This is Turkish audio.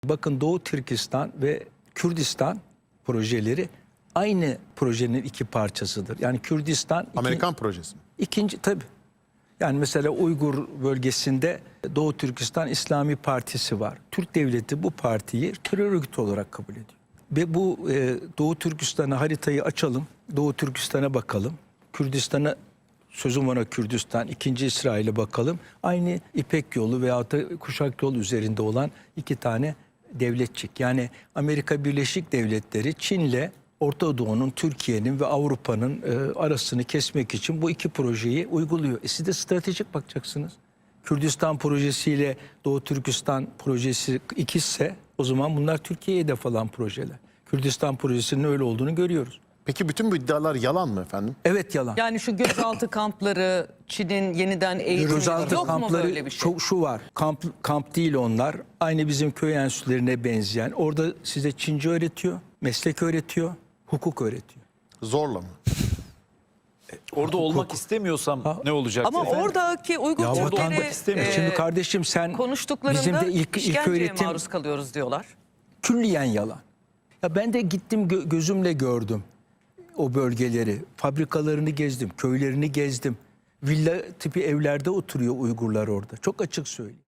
Bakın Doğu Türkistan ve Kürdistan projeleri aynı projenin iki parçasıdır. Yani Kürdistan... Amerikan projesi mi? İkinci tabii. Yani mesela Uygur bölgesinde Doğu Türkistan İslami Partisi var. Türk devleti bu partiyi terör örgütü olarak kabul ediyor. Ve bu Doğu Türkistan'a haritayı açalım. Doğu Türkistan'a bakalım. Kürdistan'a, sözüm ona Kürdistan, ikinci İsrail'e bakalım. Aynı İpek Yolu veyahut da Kuşak Yolu üzerinde olan iki tane devletçik. Yani Amerika Birleşik Devletleri Çin'le Orta Doğu'nun, Türkiye'nin ve Avrupa'nın arasını kesmek için bu iki projeyi uyguluyor. Siz de stratejik bakacaksınız. Kürdistan projesiyle Doğu Türkistan projesi ikizse o zaman bunlar Türkiye'ye hedef alan projeler. Kürdistan projesinin öyle olduğunu görüyoruz. Peki bütün bu iddialar yalan mı efendim? Evet, yalan. Yani şu gözaltı kampları, Çin'in yeniden eğitimi Gözaltı yok mu kampları böyle bir şey? şu var. Kamp değil onlar. Aynı bizim köy enstitülerine benzeyen. Orada size Çince öğretiyor, meslek öğretiyor, hukuk öğretiyor. Zorla mı? Orada olmak istemiyorsam ne olacak? Ama efendim? oradaki Uygur Ya vatandaş Türkleri istemiyor. Şimdi kardeşim sen konuştuklarında bizim de ilk işkenceye öğretim maruz kalıyoruz diyorlar. külliyen yalan. Ya ben de gittim gözümle gördüm o bölgeleri. Fabrikalarını gezdim, köylerini gezdim. Villa tipi evlerde oturuyor Uygurlar orada. Çok açık söyleyeyim.